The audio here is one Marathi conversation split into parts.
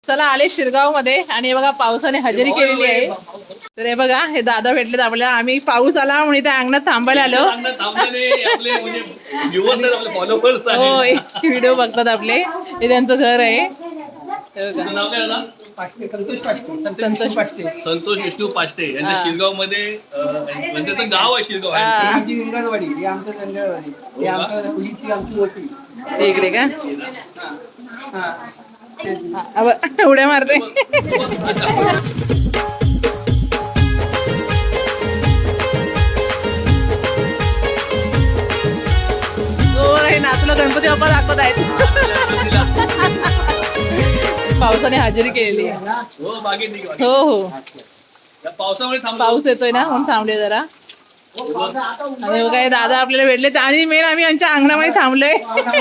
चला आले शिरगाव मध्ये आणि हे बघा पावसाने हजेरी केलेली आहे. तर हे बघा हे दादा भेटलेत आपल्याला. आम्ही पाऊस आला म्हणून त्या अंगणात थांबायला आलो. होय व्हिडिओ बघतात आपले. हे त्यांचं घर आहे. हे बघा. संतोष संतोष विष्णू पाष्टे यांच्या शिरगाव मध्ये म्हणजे गाव आहे शिरगाव इकडे का उड्या मारते. नाचलो गणपती बाप्पा दाखवत आहेत. पावसाने हजेरी केलेली आहे. हो हो पावसामुळे पाऊस येतोय ना म्हणून थांबले जरा. आणि काय दादा आपल्याला भेटले आणि मेन आम्ही यांच्या अंगणामध्ये थांबलोय.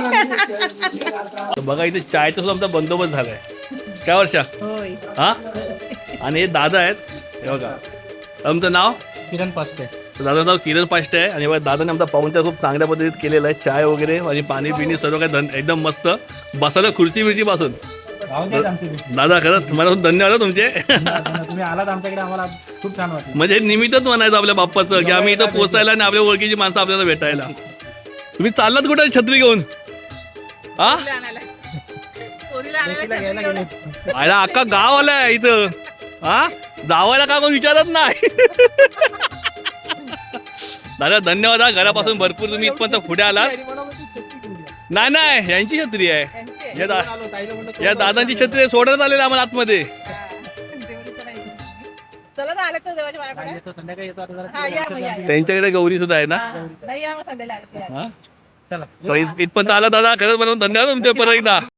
बघा इथे चायचा सुद्धा आमचा बंदोबस्त झालाय. काय वर्षा हा आणि हे दादा आहेत. हे बघा आमचं नाव किरण पाष्टे. दादाचं नाव किरण पाष्टे आहे. आणि दादाने आमचा पाहुणचार खूप चांगल्या पद्धतीत केलेला आहे. चाय वगैरे आणि पाणी पिणी सर्व काही एकदम मस्त. बसायला खुर्ची बिर्ची पासून दादा खरंच मनापासून धन्यवाद तुमचे. तुम्ही आलात आमच्याकडे आम्हाला खूप छान वाटलं. म्हणजे निमित्तच म्हणायचं आपल्या बाप्पाचं की आम्ही इथं पोहोचायला आणि आपल्या ओळखीची माणसं आपल्याला भेटायला. तुम्ही चाललात कुठे छत्री घेऊन? हा आयला अख्खा गाव आलाय इथं. हा जावायला का कोण विचारत नाही. दादा धन्यवाद. घरापासून भरपूर तुम्ही इथपर्यंत पुढे आलात. नाही नाही यांची छत्री आहे. या दादांची छत्री सोडण्यात आलेली आम्हाला आतमध्ये. त्यांच्याकडे गौरी सुद्धा आहे ना. इथपर्यंत आला दादा खरंच म्हणून धन्यवाद तुमचे परत एकदा.